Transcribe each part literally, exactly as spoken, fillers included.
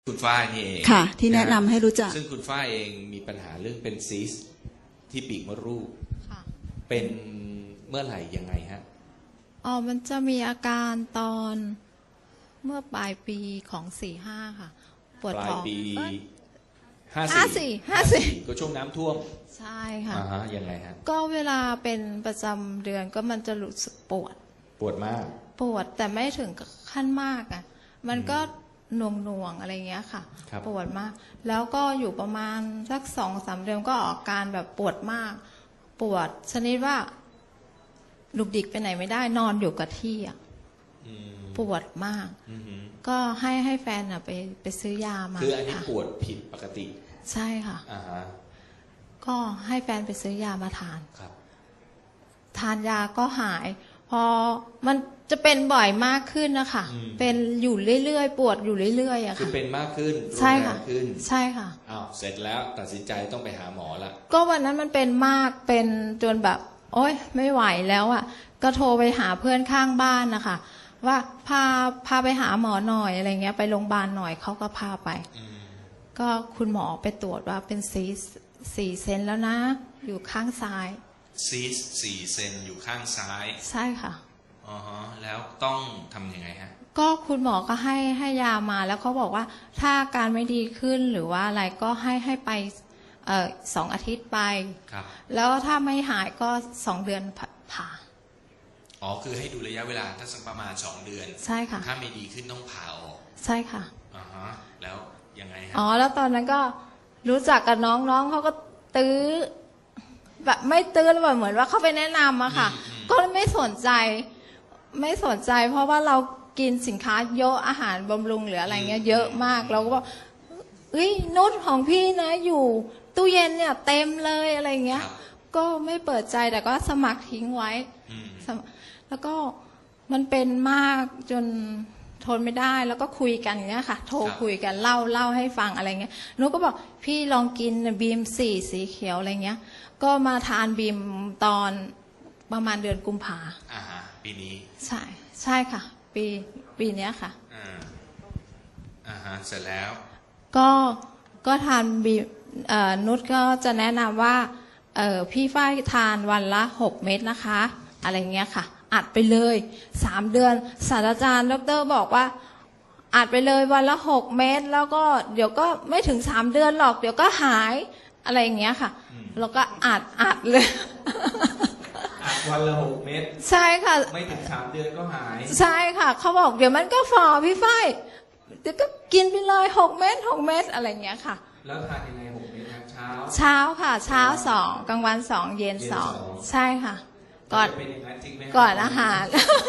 คุณฝ้ายนี่เองค่ะที่แนะนำให้รู้จักซึ่งคุณฝ้ายเองมีปัญหาเรื่องเป็นซีสต์ที่ปีกมดลูกเป็นเมื่อไหร่ยังไงฮะอ๋อมันจะมีอาการตอนเมื่อปลายปีของสี่ห้าค่ะปวดท้องปลายปีห้าสี่ห้าสี่ก็ช่วงน้ำท่วมใช่ค่ะอ่าฮะยังไงฮะก็เวลาเป็นประจำเดือนก็มันจะรู้สึกปวดปวดมากปวดแต่ไม่ถึงขั้นมากอ่ะมันก็หน่วงหน่วงอะไรเงี้ยค่ะปวดมากแล้วก็อยู่ประมาณสักสองสามเดือนก็ออกการแบบปวดมากปวดชนิดว่าลุกดิกไปไหนไม่ได้นอนอยู่กับที่อ่ะปวดมากก็ให้ให้แฟนอ่ะไปไปซื้อยามาคืออันนี้ปวดผิดปกติใช่ค่ะอ่าฮะก็ให้แฟนไปซื้อยามาทานครับทานยาก็หายพอมันจะเป็นบ่อยมากขึ้นนะคะเป็นอยู่เรื่อยๆปวดอยู่เรื่อยๆอะค่ะคือเป็นมากขึ้นใช่ค่ะใช่ค่ะอ้าวเสร็จแล้วตัดสินใจต้องไปหาหมอละก็วันนั้นมันเป็นมากเป็นจนแบบโอ๊ยไม่ไหวแล้วอะก็โทรไปหาเพื่อนข้างบ้านนะคะว่าพาพาไปหาหมอหน่อยอะไรเงี้ยไปโรงพยาบาลหน่อยเขาก็พาไปก็คุณหมอไปตรวจว่าเป็นซีสสี่เซนแล้วนะอยู่ข้างซ้ายซีสสี่เซนอยู่ข้างซ้ายใช่ค่ะอ๋อฮะแล้วต้องทำยังไงฮะก็คุณหมอก็ให้ให้ยามาแล้วเขาบอกว่าถ้าอาการไม่ดีขึ้นหรือว่าอะไรก็ให้ให้ไปเอ่อสองอาทิตย์ไปครับแล้วถ้าไม่หายก็สองเดือนผ่าอ๋อคือให้ดูระยะเวลาถ้าสักประมาณสองเดือนใช่ค่ะถ้าไม่ดีขึ้นต้องผ่าออกใช่ค่ะอ่าฮะแล้วยังไงฮะอ๋อแล้วตอนนั้นก็รู้จักกับน้องน้องเขาก็ตื้อแบบไม่ตื้อแล้วแบบเหมือนว่าเขาไปแนะนำอะค่ะก็ไม่สนใจไม่สนใจเพราะว่าเรากินสินค้าเยอะอาหารบำรุงหรืออะไรเงี้ยเยอะมากเราก็บอกเฮ้ยนุชของพี่นะอยู่ตู้เย็นเนี่ยเต็มเลยอะไรเงี้ยก็ไม่เปิดใจแต่ก็สมัครทิ้งไว้แล้วก็มันเป็นมากจนทนไม่ได้แล้วก็คุยกันอย่างเงี้ยค่ะโทรคุยกันเล่าเล่าให้ฟังอะไรเงี้ยนุชก็บอกพี่ลองกินบีมสี่สีเขียวอะไรเงี้ยก็มาทานบีมตอนประมาณเดือนกุมภาอ่าฮะปีนี้ใช่ใช่ค่ะปีปีนี้ค่ะอ่าอ่าฮะเสร็จแล้วก็ก็ทานบีเอ่อนุชก็จะแนะนำว่าเอ่อพี่ฝ้ายทานวันละหกเม็ดนะคะอะไรเงี้ยค่ะอัดไปเลยสามเดือนศาสตราจารย์ดร.บอกว่าอัดไปเลยวันละหกเม็ดแล้วก็เดี๋ยวก็ไม่ถึงสามเดือนหรอกเดี๋ยวก็หายอะไรอย่างเงี้ยค่ะแล้วก็อัดอัดเลยอัดวันละหกเม็ดใช่ค่ะไม่ถึงสามเดือนก็หายใช่ค่ะเขาบอกเดี๋ยวมันก็ฝ่อพี่ฝ้ายเดี๋ยวก็กินไปเลยหกเม็ดหกเม็ดอะไรอย่างเงี้ยค่ะแล้วทานยังไงหกเม็ดเช้าเช้าค่ะเช้าสองกลางวันสองเย็นสองใช่ค่ะก่อนก่อนอาหาร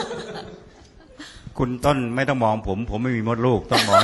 คุณต้นไม่ต้องมองผมผมไม่มีมดลูกต้องมอง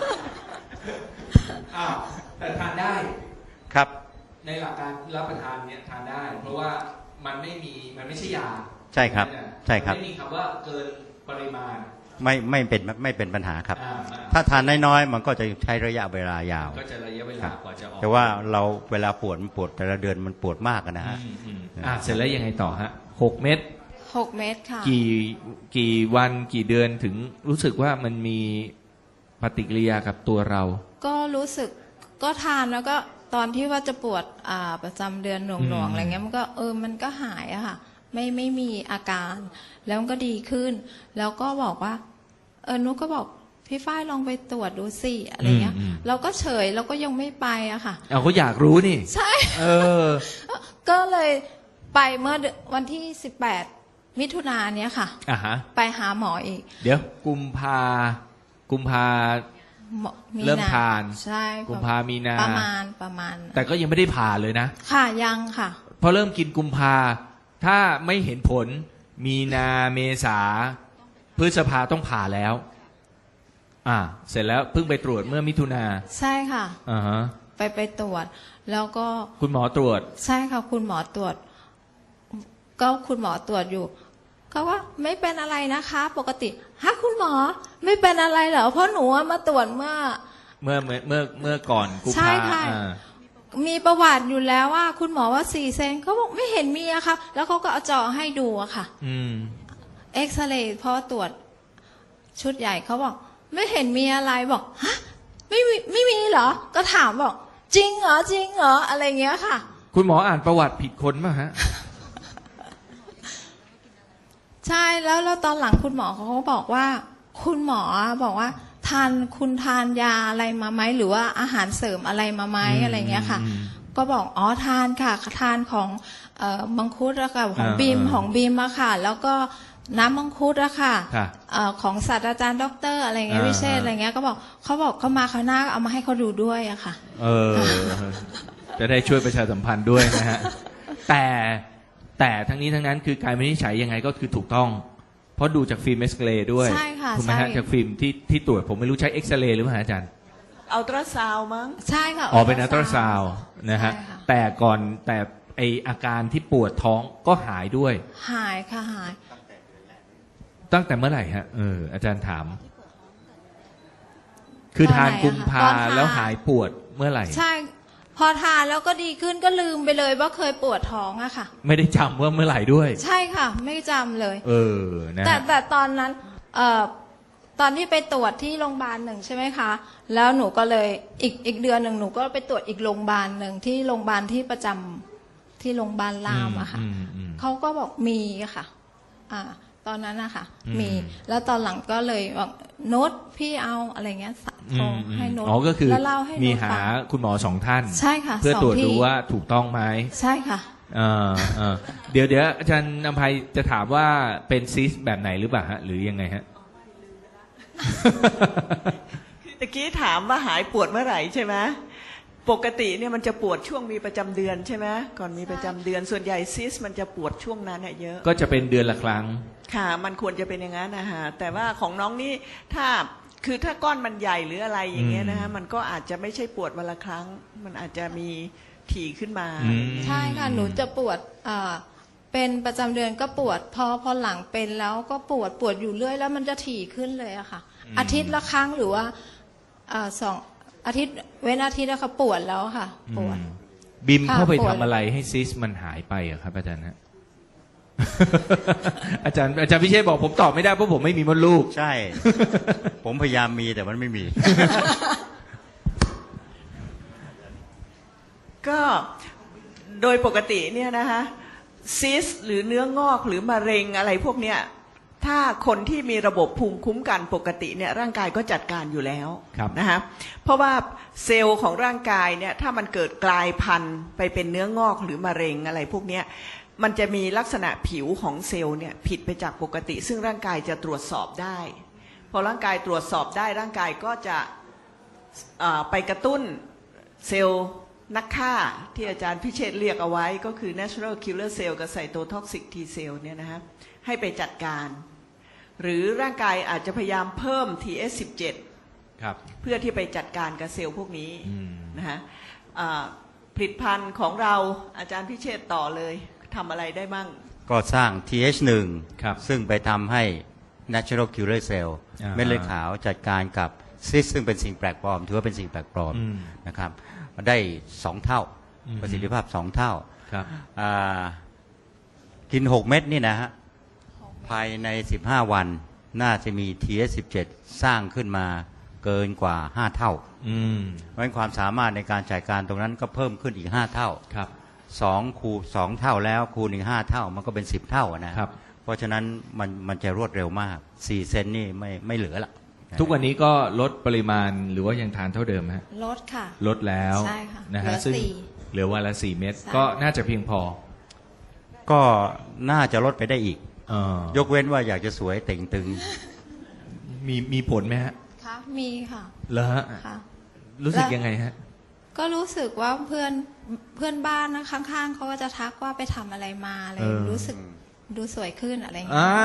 อ้าวแต่ทานได้ครับในหลักการรับประทานเนี่ยทานได้เพราะว่ามันไม่มีมันไม่ใช่ยาใช่ครับใช่ครับไม่มีคำว่าเกินปริมาณไม่ไม่เป็นไม่เป็นปัญหาครับถ้าทานน้อยๆมันก็จะใช้ระยะเวลายาวก็จะระยะเวลากว่าจะออกแต่ว่าเราเวลาปวดมันปวดแต่ละเดือนมันปวดมากนะฮะอ่าเสร็จแล้วยังไงต่อฮะหกเม็ดหกเม็ดค่ะกี่กี่วันกี่เดือนถึงรู้สึกว่ามันมีปฏิกิริยากับตัวเราก็รู้สึกก็ทานแล้วก็ตอนที่ว่าจะปวดอ่าประจำเดือนหน่วงๆอะไรเงี้ยมันก็เออมันก็หายอะค่ะไม่ไม่มีอาการแล้วมันก็ดีขึ้นแล้วก็บอกว่าเออนุกก็บอกพี่ฝ้ายลองไปตรวจดูสิอะไรเงี้ยเราก็เฉยเราก็ยังไม่ไปอะค่ะเอาก็อยากรู้นี่ใช่เออก็เลยไปเมื่อวันที่สิบแปดมิถุนายนเนี้ยค่ะอ่าฮะไปหาหมออีกเดี๋ยวกุมภากุมภาเริ่มทานใช่กุมภามีนาประมาณประมาณแต่ก็ยังไม่ได้ผ่าเลยนะค่ะยังค่ะพอเริ่มกินกุมภาถ้าไม่เห็นผลมีนาเมษาพฤษภาต้องผ่าแล้วอ่าเสร็จแล้วเพิ่งไปตรวจเมื่อมิถุนาใช่ค่ะอ่าฮะไปไปตรวจแล้วก็คุณหมอตรวจใช่ค่ะคุณหมอตรวจก็คุณหมอตรวจอยู่เขาว่าไม่เป็นอะไรนะคะปกติฮะคุณหมอไม่เป็นอะไรเหรอเพราะหนูมาตรวจเมื่อเมื่อเมื่อเมื่อเมื่อก่อนกุมภาใช่ค่ะมีประวัติอยู่แล้วว่าคุณหมอว่าสี่เซนเขาบอกไม่เห็นมีอะค่ะแล้วเขาก็เอาจอให้ดูอะค่ะอืมเอ็กซเรย์พอตรวจชุดใหญ่เขาบอกไม่เห็นมีอะไรบอกฮะไม่มีไม่มีเหรอก็ถามบอกจริงเหรอจริงเหรออะไรเงี้ยค่ะคุณหมออ่านประวัติผิดคนป่ะฮะใช่แล้วแล้วตอนหลังคุณหมอเขาก็บอกว่า คุณหมอบอกว่า ทานคุณทานยาอะไรมาไหมหรือว่าอาหารเสริมอะไรมาไหมอืมอะไรเงี้ยค่ะอืมก็บอกอ๋อทานค่ะทานของเอ่อมังคุดอะค่ะของอ่าบีมอ่าของบีมอะค่ะ แล้วก็น้ำมังคุดอะค่ะค่ะเอ่อของศาสตราจารย์ด็อกเตอร์อะไรเงี้ยอ่าวิเชษอ่าอะไรเงี้ยก็บอกเขาบอกเขามาเขาวหน้าเอามาให้เขาดูด้วยอะค่ะเออ จะได้ช่วยประชาสัมพันธ์ด้วยนะฮะ แต่แต่ทั้งนี้ทั้งนั้นคือการวินิจฉัยยังไงก็คือถูกต้อง เพราะดูจากฟิล์มเอ็กซเรย์ด้วยใช่ค่ะถูกไหมฮะใช่จากฟิล์มที่ที่ตรวจผมไม่รู้ใช้เอ็กซเรย์หรือเปล่าฮะอาจารย์อัลตราซาวด์มั้งใช่ค่ะอ๋อเป็นอัลตราซาวด์นะฮะใช่ค่แต่ก่อนแต่ไออาการที่ปวดท้องก็หายด้วยหายค่ะหายตั้งแต่เมื่อไหร่ฮะเอออาจารย์ถาม คือทานตอนไหนอะคะกุมภาตอนทานแล้วหายปวดเมื่อไหร่ใช่ พอทานแล้วก็ดีขึ้นก็ลืมไปเลยว่าเคยปวดท้องอะค่ะไม่ได้จำว่าเมื่อไหร่ด้วยใช่ค่ะ ไม่จำเลยเออนะแต่ฮะแต่ตอนนั้นเอ่อตอนที่ไปตรวจที่โรงพยาบาลหนึ่งใช่ไหมคะ แล้วหนูก็เลยอีกอีกเดือนหนึ่งหนูก็ไปตรวจอีกโรงพยาบาลหนึ่งที่โรงพยาบาลที่ประจำที่โรงพยาบาลรามอะค่ะอืมอืมเขาก็บอกมีอะค่ะ อ่า ตอนนั้นอะค่ะอืมมี แล้วตอนหลังก็เลยบอกโน้ตพี่เอาอะไรเงี้ยโทรอืมอืมให้โน้ตอ๋อก็คือแล้วเล่าให้มีโน้ตหาฟังคุณหมอสองท่านใช่ค่ะเพื่อสงตรวจที่ดูว่าถูกต้องไหมใช่ค่ะเออเออเดี๋ยวเดี๋ยวอาจารย์นภัยจะถามว่าเป็นซิสแบบไหนหรือเปล่าฮะ หรือยังไงฮะตะกี้ถามว่าหายปวดเมื่อไหร่ใช่ไหมปกติเนี่ยมันจะปวดช่วงมีประจำเดือนใช่ไหมก่อนมีประจำเดือนส่วนใหญ่ซิสมันจะปวดช่วงนั้นเนี่ยเยอะก็จะเป็นเดือนละครั้งค่ะ มันควรจะเป็นอย่างนั้นนะฮะแต่ว่าของน้องนี่ถ้าคือถ้าก้อนมันใหญ่หรืออะไรอย่างเงี้ยนะฮะมันก็อาจจะไม่ใช่ปวดวันละครั้ง มันอาจจะมีถี่ขึ้นมาอืมใช่ค่ะ หนูจะปวดอ่าเป็นประจำเดือนก็ปวด พอพอหลังเป็นแล้วก็ปวดปวดอยู่เรื่อยแล้วมันจะถี่ขึ้นเลยอะค่ะอืมอาทิตย์ละครั้งหรือว่าอ่าสองอาทิตย์เว้นอาทิตย์แล้วค่ะปวดแล้วค่ะ ปวดอืมบิมค่ะเข้าไปปวดทำอะไรให้ซิสมันหายไปอะครับอาจารย์ฮะ อาจารย์อาจารย์พิเชษบอกผมตอบไม่ได้เพราะผมไม่มีมดลูกใช่ ผมพยายามมีแต่มันไม่มีก็โดยปกติเนี่ยนะคะซิสหรือเนื้องอกหรือมะเร็งอะไรพวกเนี้ยถ้าคนที่มีระบบภูมิคุ้มกันปกติเนี่ยร่างกายก็จัดการอยู่แล้วครับนะคะเพราะว่าเซลล์ของร่างกายเนี่ยถ้ามันเกิดกลายพันธุ์ไปเป็นเนื้องอกหรือมะเร็งอะไรพวกเนี้ยมันจะมีลักษณะผิวของเซลล์เนี่ยผิดไปจากปกติ ซึ่งร่างกายจะตรวจสอบได้พอร่างกายตรวจสอบได้ร่างกายก็จะอ่าไปกระตุ้นเซลล์นักฆ่าที่อาจารย์พิเชษฐ์เรียกเอาไว้ก็คือ natural killer cell กับ cytotoxic T cell เนี่ยนะฮะให้ไปจัดการ หรือร่างกายอาจจะพยายามเพิ่ม ที เอส สิบเจ็ดครับเพื่อที่ไปจัดการกับเซลล์พวกนี้อืมนะฮะอ่าผลิตภัณฑ์ของเราอาจารย์พิเชษฐ์ต่อเลยทำอะไรได้มั่งก็สร้าง ที เอช หนึ่งครับซึ่งไปทำให้ natural killer cell อ่าเม็ดเลือดขาวจัดการกับซิสซึ่งเป็นสิ่งแปลกปลอม ถือว่าเป็นสิ่งแปลกปลอมอืมนะครับได้สองเท่าอืมประสิทธิภาพสองเท่าครับอ่ากินหกเม็ดนี่นะฮะ ภายในสิบห้าวันน่าจะมี ที เอส สิบเจ็ด สร้างขึ้นมาเกินกว่าห้าเท่าอืมเพราะฉะนั้นความสามารถในการจัดการตรงนั้นก็เพิ่มขึ้นอีกห้าเท่าครับสองคูสองเท่าแล้วคูณอีกห้าเท่ามันก็เป็นสิบเท่าอะนะครับ เพราะฉะนั้นมันมันจะรวดเร็วมากสี่เซนนี่ไม่ไม่เหลือละทุกวันนี้ก็ลดปริมาณหรือว่ายังทานเท่าเดิมฮะลดค่ะลดแล้วใช่ค่ะนะเหลืฮะอซึ่งสี่เหลือวันละสี่เม็ดใช่ก็น่าจะเพียงพอก็น่าจะลดไปได้อีกเออยกเว้นว่าอยากจะสวยเต่งตึงมีมีผลไหมฮะค่ะมีค่ะเหรอฮะค่ะรู้สึกและยังไงฮะก็รู้สึกว่าเพื่อนเพื่อนบ้านนะข้างๆเขาก็จะทักว่าไปทำอะไรมาอะไรเออรู้สึกดูสวยขึ้นอะไรอย่างเงี้อ่าย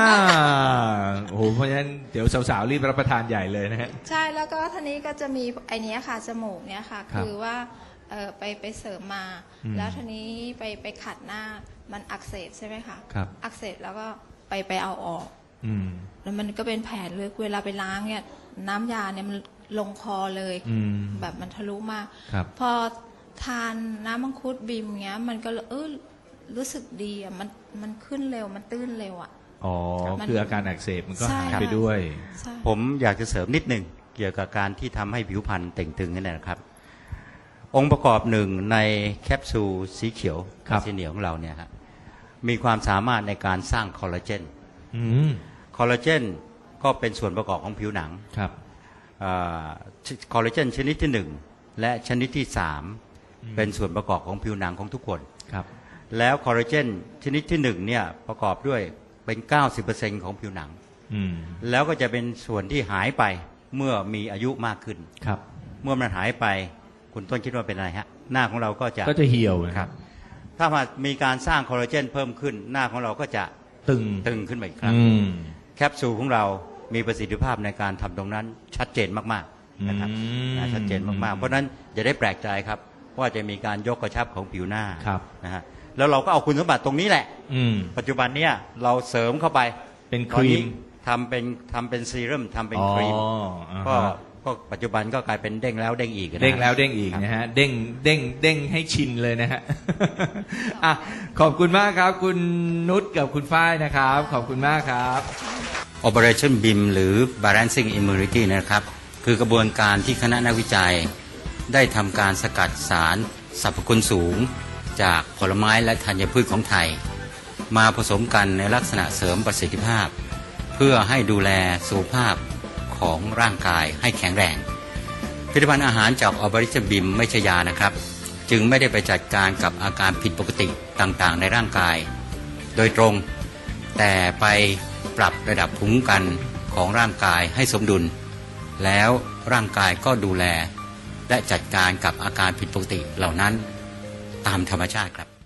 โอ้โหเพราะฉะนั้นเดี๋ยวสาวๆรีบรับประทานใหญ่เลยนะฮะใช่แล้วก็ทีนี้ก็จะมีไอเนี้ยค่ะจมูกเนี้ยค่ะครับคือว่าเออไปไปเสริมมาอืมแล้วทีนี้ไปไปขัดหน้ามันอักเสบใช่ไหมคะครับอักเสบแล้วก็ไปไปเอาออกอืมแล้วมันก็เป็นแผลลึกเวลาไปล้างเนี่ยน้ำยาเนี่ยมันลงคอเลยอืมแบบมันทะลุมากครับพอทานน้ำมังคุดบิมเงี้ย มันก็เออรู้สึกดีอ่ะมันมันขึ้นเร็วมันตื้นเร็วอ่ะอ๋อมันคืออาการอักเสบมันก็ใช่หายค่ะไปด้วยใช่ผมอยากจะเสริมนิดหนึ่งเกี่ยวกับการที่ทำให้ผิวพรรณเต่งตึงนั่นแหละครับ องค์ประกอบหนึ่งในแคปซูลสีเขียวครับสีเหนียวของเราเนี่ยฮะมีความสามารถในการสร้างคอลลาเจนอืมคอลลาเจนก็เป็นส่วนประกอบของผิวหนังครับคอลลาเจนชนิดที่หนึ่งและชนิดที่สามเป็นส่วนประกอบของผิวหนังของทุกคนครับแล้วคอลลาเจนชนิดที่หนึ่งเนี่ยประกอบด้วยเป็น เก้าสิบเปอร์เซ็นต์ ของผิวหนังอืมแล้วก็จะเป็นส่วนที่หายไปเมื่อมีอายุมากขึ้นครับเมื่อมันหายไปคุณต้นคิดว่าเป็นอะไรฮะหน้าของเราก็จะก็จะเหี่ยวนะคครัรับบ ถ้ามามีการสร้างคอลลาเจนเพิ่มขึ้นหน้าของเราก็จะตึงตึงขึ้นมาอีกครั้งอืมแคปซูลของเรามีประสิทธิภาพในการทำตรงนั้นชัดเจนมากๆนะครับอืมนะชัดเจนมากๆเพราะฉะนั้นอย่าได้แปลกใจครับว่าจะมีการยกกระชับของผิวหน้าครับนะฮะแล้วเราก็เอาคุณสมบัติตรงนี้แหละอืมปัจจุบันเนี่ยเราเสริมเข้าไปเป็นคตอนรีนี้มทำเป็นทำเป็นซีรั่มทำเป็นอ๋อครีมอ่าก็ฮะก็ปัจจุบันก็กลายเป็นเด้งแล้วเด้งอีกนะเด้งแล้วเด้งอีกนะฮะ เด้งเด้งเด้งให้ชินเลยนะฮะ อ่ะขอบคุณมากครับ คุณนุชกับคุณฝ้ายนะครับ ขอบคุณมากครับ Operation บี เอ็ม หรือ Balancing Immunity นะครับคือกระบวนการที่คณะนักวิจัยได้ทำการสกัดสารสรรพคุณสูง จากผลไม้และธัญพืชของไทย มาผสมกันในลักษณะเสริมประสิทธิภาพ เพื่อให้ดูแลสุขภาพของร่างกายให้แข็งแรงผลิตภัณฑ์อาหารจาก Operation บี เอ็ม ไม่ใช่ยานะครับ จึงไม่ได้ไปจัดการกับอาการผิดปกติต่างๆ ในร่างกาย โดยตรง แต่ไปปรับระดับภูมิคุ้มกันของร่างกายให้สมดุล แล้วร่างกายก็ดูแล และจัดการกับอาการผิดปกติเหล่านั้นตามธรรมชาติครับ